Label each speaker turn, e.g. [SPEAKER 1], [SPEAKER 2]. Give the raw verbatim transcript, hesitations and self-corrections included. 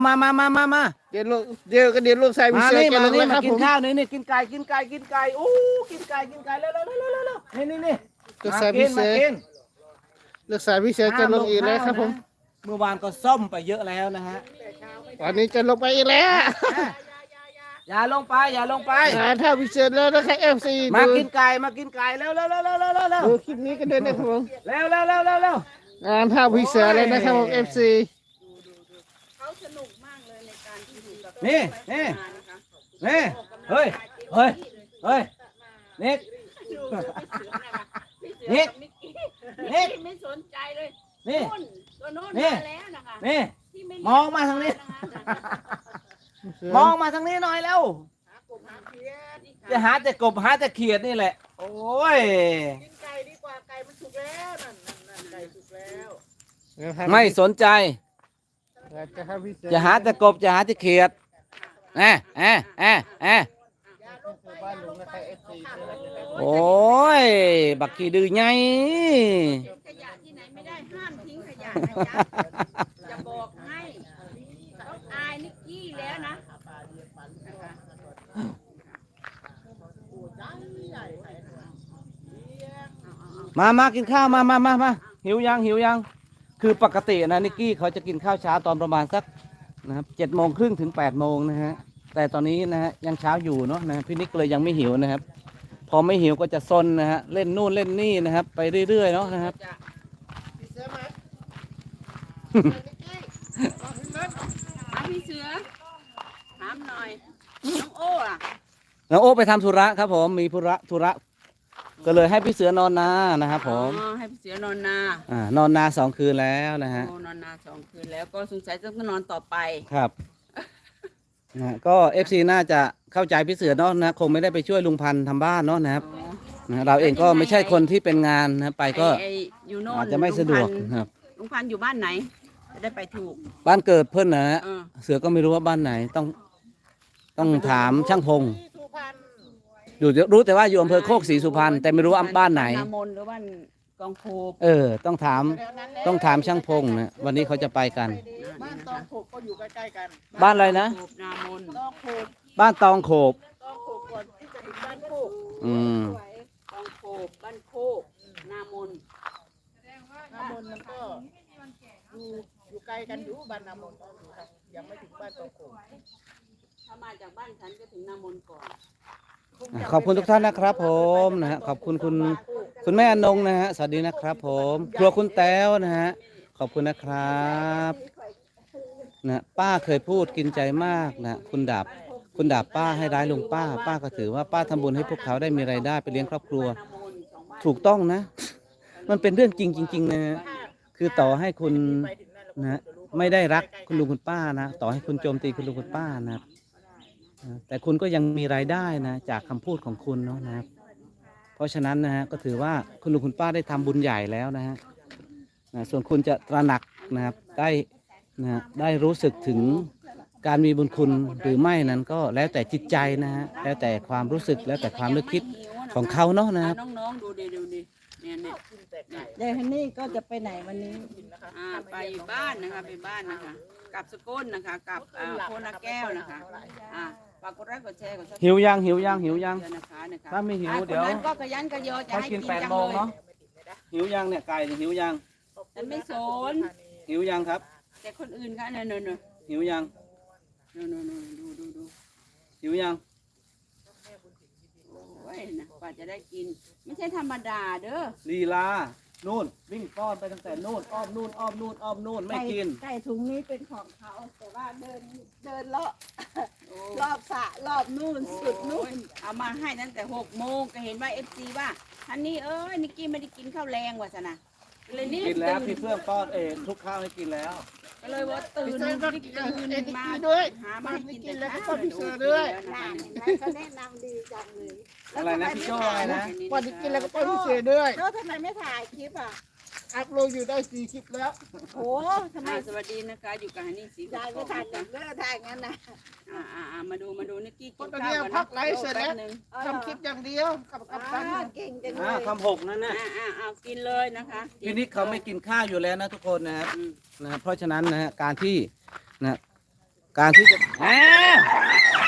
[SPEAKER 1] มามามามามา
[SPEAKER 2] เดี๋ยวลูกเดี๋ยวก็เดี๋ยวลูกชายพิ
[SPEAKER 1] มา
[SPEAKER 2] เศษ
[SPEAKER 1] นี่
[SPEAKER 2] แก
[SPEAKER 1] มา
[SPEAKER 2] ลง
[SPEAKER 1] นี่
[SPEAKER 2] แล้วค
[SPEAKER 1] มา
[SPEAKER 2] รับ
[SPEAKER 1] กิ
[SPEAKER 2] ผ
[SPEAKER 1] น
[SPEAKER 2] ม
[SPEAKER 1] ข้าวนี่นี่กินไก่กินไก่กินไก่โอ้กินไก่กินไก่เร็วเร็วเร็วเร็วเร็วนี่นี่นี่
[SPEAKER 2] ลูกชายพิเศษลูกชายพิเศษจะลงอีกแล้วครับผม
[SPEAKER 1] เมื่อวานก็ซ่อมไปเยอะแล้วนะฮะ
[SPEAKER 2] วันนี้จะลงไปอีกแล้ว
[SPEAKER 1] อย่าลงไปอย่าลงไป
[SPEAKER 2] งานท่าพิเศษแล้วนะครับเอฟซี
[SPEAKER 1] มากินไก่มากินไก่เร็วเร็วเร็วเร็วเร็วเร็วเร็ว
[SPEAKER 2] ดูคลิปนี้กันด้วยนะครับผม
[SPEAKER 1] เร็วเร็วเร็วเร็วเร็ว
[SPEAKER 2] งานท่าพิเศษเลยนะครับผมเอฟซี
[SPEAKER 3] เขาสนุกมากเลยในการที่อยู่กับ
[SPEAKER 1] นี่นี่
[SPEAKER 3] งานนะคะ
[SPEAKER 1] นี่เฮ้ยเฮ้ยเฮ้ยนิก
[SPEAKER 3] ดูพี่เสือ
[SPEAKER 1] นิก
[SPEAKER 3] กับนิกกี้
[SPEAKER 1] นิก
[SPEAKER 3] ไม่สนใจเลย
[SPEAKER 1] นี่
[SPEAKER 3] นู่นตัวโน้น
[SPEAKER 1] นี่
[SPEAKER 3] มาแล้วนะคะ
[SPEAKER 1] นี่
[SPEAKER 3] ที่ไม่
[SPEAKER 1] มองมาทางนี้ มองมาทางนี้หน่อยแล้ว จะหาแต่กบหาแต่เขียดนี่แหละ โอ้ย
[SPEAKER 3] กินไก่ดีกว่าไก่มันสุกแล้วนั่นนั่นนั่นไก่สุกแล้ว
[SPEAKER 1] ไม่สนใจ
[SPEAKER 2] จะท่าพิเศษ
[SPEAKER 1] จะหาแต่กบจะหาแต่เขียดแอะแอะแอะแอะโอ้ย บักขี้ดื้อไง
[SPEAKER 3] ขยะที่ไหนไม่ได้ห้ามทิ้งขยะนะจ๊ะจะบอกให้ต้องอายนิกกี้แล้วนะนะคะ
[SPEAKER 1] มามากินข้าวมามามามาหิวยังหิวยัง คือปกตินะนิกกี้เขาจะกินข้าวเช้าตอนประมาณสักนะครับเจ็ดโมงครึ่งถึงแปดโมงนะฮะ แต่ตอนนี้นะฮะยังเช้าอยู่เนาะนะพี่นิกเลยยังไม่หิวนะครับ พอไม่หิวก็จะซนนะฮะเล่นนู่นเล่นนี่นะครับ ไปเรื่อยๆเนาะนะครับ
[SPEAKER 3] ถามพี่เสือถามหน่อยน้องโอ้อะ
[SPEAKER 1] น้องโอ้ไปทำธุระครับผมมีธุระธุระก็เลยให้พี่เสือนอนนานะครับผม
[SPEAKER 3] อ๋อให้พี่เสือนอนนา
[SPEAKER 1] อ่านอนนาสองคืนแล้วนะฮะ
[SPEAKER 3] โอ้นอนนาสองคืนแล้วก็สงสัยจะนอนต่อไป
[SPEAKER 1] ครับนะก็เอฟซีน่าจะเข้าใจพี่เสือเนาะนะคงไม่ได้ไปช่วยลุงพันธ์ทำบ้านเนาะนะครับ
[SPEAKER 3] อ๋อ
[SPEAKER 1] นะเราเองก็ไม่ใช่คนที่เป็นงานนะไปก็
[SPEAKER 3] ไอ้ไอ้อยู่โน่น
[SPEAKER 1] อาจจะไม่สะดวก
[SPEAKER 3] ลุงพันธุ์
[SPEAKER 1] ครับ
[SPEAKER 3] ลุงพันธุ์อยู่บ้านไหน จะได้ไปถูก
[SPEAKER 1] บ้านเกิดเพื่อนนะฮะ
[SPEAKER 3] เออ
[SPEAKER 1] เสือก็ไม่รู้ว่าบ้านไหนต้องต้องถามช่างพงอยู่รู้แต่ว่าอยู่อำเภอโคกศรีสุพรรณแต่ไม่รู้ว่าบ้านไหน
[SPEAKER 3] นามนหรือบ้านกองโคบ
[SPEAKER 1] เออ ต้องถามต้องถามช่างพงนะวันนี้เขาจะไปกัน
[SPEAKER 2] บ้านตองโขกก็อยู่ใกล้ๆกัน
[SPEAKER 1] บ้านอะไรนะ
[SPEAKER 3] โคบนามน
[SPEAKER 2] ตองโขก
[SPEAKER 1] บ้านตองโขบ
[SPEAKER 2] ตองโขกก่อนที่จะถึงบ้านโคก
[SPEAKER 1] อืม
[SPEAKER 3] กองโคบบ้านโคกนามน
[SPEAKER 2] น้ำมนต์มันก็อยู่อยู่ไกลกันอยู่บ้านน้ำมนต์ครับยังไม่ถึงบ้านตองโขก
[SPEAKER 3] ถ้ามาจากบ้านฉันก็ถึงนามนก่อน
[SPEAKER 1] ขอบคุณทุกท่านนะครับผมนะฮะขอบคุณคุณคุณแม่อนงนะฮะสวัสดีนะครับ ผมครัวคุณแต้วนะฮะขอบคุณนะครับนะป้าเคยพูดกินใจมากนะคุณดาบคุณดาบป้าให้ร้ายลุงป้า ป้าก็ถือว่าป้าทำบุญให้พวกเขาได้มีรายได้ไปเลี้ยงครอบครัว
[SPEAKER 3] นามนสองบ้าน
[SPEAKER 1] ถูกต้องนะ มันเป็นเรื่องจริงจริงๆนะคือต่อให้คุณนะไม่ได้รักคุณลุงคุณป้านะต่อให้คุณโจมตีคุณลุงคุณป้านะครับนะแต่คุณก็ยังมีรายได้นะจากคำพูดของคุณเนาะนะครับ เพราะฉะนั้นนะฮะก็ถือว่าคุณลุงคุณป้าได้ทำบุญใหญ่แล้วนะฮะนะส่วนคุณจะตระหนักนะครับได้นะได้รู้สึกถึงการมีบุญคุณหรือไม่นั้นก็แล้วแต่จิตใจนะฮะแล้วแต่ความรู้สึกแล้วแต่ความนึกคิดของเขาเนาะนะครับ
[SPEAKER 3] อ่น้องๆดูดิดูดิเนี่ยเนี่ย
[SPEAKER 4] เดี๋ยวฮันนี่ก็จะไปไหนวันนี้
[SPEAKER 3] อ่าไปบ้านนะคะไปบ้านนะคะกลับสกลนะคะกลับอ่าโพนาแก้วนะคะอ่าฝากกดไลค์กดแชร์กดซับสไครบ์
[SPEAKER 1] หิวยังหิวยังหิวยัง
[SPEAKER 3] นะคะนะคะ
[SPEAKER 1] ถ้าไม่หิว
[SPEAKER 3] อ่า
[SPEAKER 1] เดี๋ยว
[SPEAKER 3] คนนั้นก็ขยันกระโยชน์จะ
[SPEAKER 1] เขา
[SPEAKER 3] ให้
[SPEAKER 1] กิ
[SPEAKER 3] กิ
[SPEAKER 1] น
[SPEAKER 3] น
[SPEAKER 1] แปด
[SPEAKER 3] จัง
[SPEAKER 1] โมง
[SPEAKER 3] เลย
[SPEAKER 1] เนาะหิวยังเนี่ยไก่เนี่ยหิวยัง
[SPEAKER 3] ฉันไม่สน
[SPEAKER 1] หิวยังครับ
[SPEAKER 3] แต่คนอื่นค่ะเนี่ยเนี่ยเนี่ย
[SPEAKER 1] หิวยัง
[SPEAKER 3] เนี่ยเนี่ยเนี่ยดูดูดู
[SPEAKER 1] หิวยัง
[SPEAKER 3] โอ้ยนะกว่าจะได้กิน ไม่ใช่ธรรมดาเด้อ
[SPEAKER 1] ลีลานู่นวิ่งป้อนไปตั้งแต่นู่นอ้อมนู่นอ้อมนู่นอ้อมนู่นไม่กิน
[SPEAKER 4] ไก่ถุงนี้เป็นของเขา แต่ว่าเดินเดินเลาะ
[SPEAKER 3] โอ้
[SPEAKER 4] รอบสระรอบนู่นสุดนู่น
[SPEAKER 3] เอามาให้ตั้งแต่หกโมงก็เห็นว่าเอฟซีว่าท่านนี้เอ้ยนิกกี้ไม่ได้กินข้าวแรงว่ะสนะเลยนี่
[SPEAKER 1] กินแล้ว
[SPEAKER 3] ตื่
[SPEAKER 1] พี่เพื่อนป้อนเองทุกข้าวให้กินแล้ว
[SPEAKER 3] ก็เลยว่าตื่น
[SPEAKER 2] พี่เสือก็
[SPEAKER 3] นิก
[SPEAKER 2] กิน
[SPEAKER 3] ตื่น
[SPEAKER 2] เอ็น
[SPEAKER 3] มา
[SPEAKER 2] กี้ด้วย
[SPEAKER 3] หามา
[SPEAKER 2] บ้าน
[SPEAKER 3] ให้
[SPEAKER 2] นี้
[SPEAKER 3] กิน
[SPEAKER 2] กิน
[SPEAKER 3] แต่
[SPEAKER 2] แล้วก็
[SPEAKER 3] เช้า
[SPEAKER 2] พี่เสือด้วย
[SPEAKER 4] น่ะแล้วก็แนะนำดีจังเลย
[SPEAKER 1] อะไรนะพี่โจ้อะไรนะ
[SPEAKER 2] วันนี้กินแล้วก็ป้อนพี่เสือด้วย
[SPEAKER 4] แล้วทำไมไม่ถ่ายคลิปอ่ะ
[SPEAKER 2] อัพโหลดอยู่ได้สี่คลิปแล้ว
[SPEAKER 4] โอ้ทำไม
[SPEAKER 3] อ่าสวัสดีนะคะอยู่กับฮันนี่สี
[SPEAKER 4] ยายไม่ถ่ายอย่างเลิกถ่ายงั้นนะ
[SPEAKER 3] อ่าอ่าอ่ามาดูมาดูนิกกี้
[SPEAKER 2] ค
[SPEAKER 3] กิ
[SPEAKER 2] น
[SPEAKER 3] น
[SPEAKER 2] ตอน
[SPEAKER 3] ข้าว
[SPEAKER 2] นี้
[SPEAKER 3] กัน
[SPEAKER 2] พั
[SPEAKER 3] นะ
[SPEAKER 2] กไลฟ์เสร็จแล้ว
[SPEAKER 3] แป๊บนึง
[SPEAKER 2] ทำคลิปอย่างเดียวกับกับ
[SPEAKER 4] อ่า
[SPEAKER 2] กัน
[SPEAKER 4] เก่งจังเล
[SPEAKER 1] อ่าย คำหกนั่นน่ะ
[SPEAKER 3] อ่าอ่าอ่ากินเลยนะคะ
[SPEAKER 1] พี่นิกเขาไม่กินข้าวอยู่แล้วนะทุกคนนะครับ
[SPEAKER 3] อืม
[SPEAKER 1] นะครับเพราะฉะนั้นนะฮะการที่นะการที่จะอ่า